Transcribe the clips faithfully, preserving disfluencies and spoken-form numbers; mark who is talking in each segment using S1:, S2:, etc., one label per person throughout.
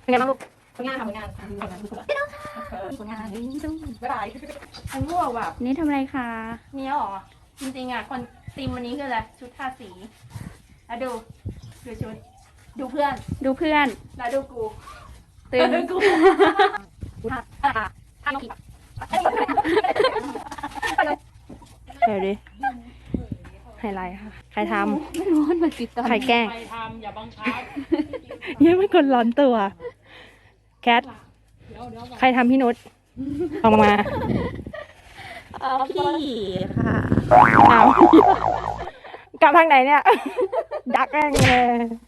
S1: เป็นไงบ้างลูก
S2: ผลงานทำผลงานผลงานผลงานบ๊ายบายฉันง่วงแบบ
S1: นี่ทำอะไรคะ
S2: นี่หรอจริงๆอ่ะคนธีมวันนี้คืออะไรชุดทาสีแล้วดูดูชุดดูเพื่อน
S1: ดูเพื่อน
S2: แล้วดูกู
S1: ตื่น
S2: ดูกูท่าท่าท่า
S1: เดี๋ยวดิไฮไลท์ค่ะ ใครท
S2: ไม่รู้มันติด
S1: ำ ใครแกล้ง
S3: ใครทำอย่าบังคับ
S1: ยังไม่คนร้อนตัว แคท
S3: เดี๋ยวเดี๋ยว
S1: ใครทำพี่นุชออกมา พี่ค่ะเอากลับทางไหนเนี่ย ดักแม่งเลย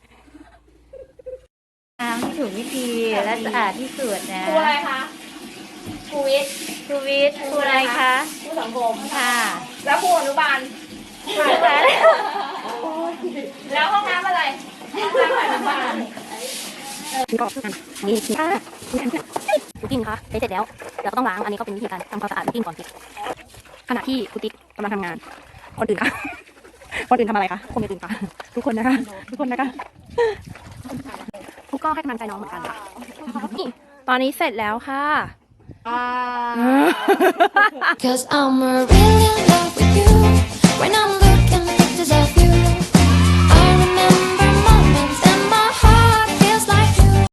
S4: น้ำที่ถูกวิธีและสะอาดที่สุดนะ
S2: ครูอะไรคะครูวิทย์
S4: ครูวิทย์ครูอะไรคะ
S2: ครูสังคม
S4: ค่ะ
S2: แล้วครูอนุบาล
S4: ครูคะ
S2: แล้วห้องน้ำอะไรห้องน้ำอนุบาล
S1: กินก่อนนี่กินค่ะคุกกิ้งคะเสร็จแล้วเราก็ต้องล้างอันนี้ก็เป็นวิธีการทำความสะอาดคุกกิ้งก่อนสิขณะที่คุณติ๊กกำลังทำงาน คนอื่นคะคนอื่นทำอะไรคะคนอื่นคะทุกคนนะคะทุกคนนะคะทุกก็ให้กำลังใจน้องเหมือนกันค่ะนี่ตอนนี้เสร็จแล้วค่ะ
S2: อ่า
S5: Cause I'm a real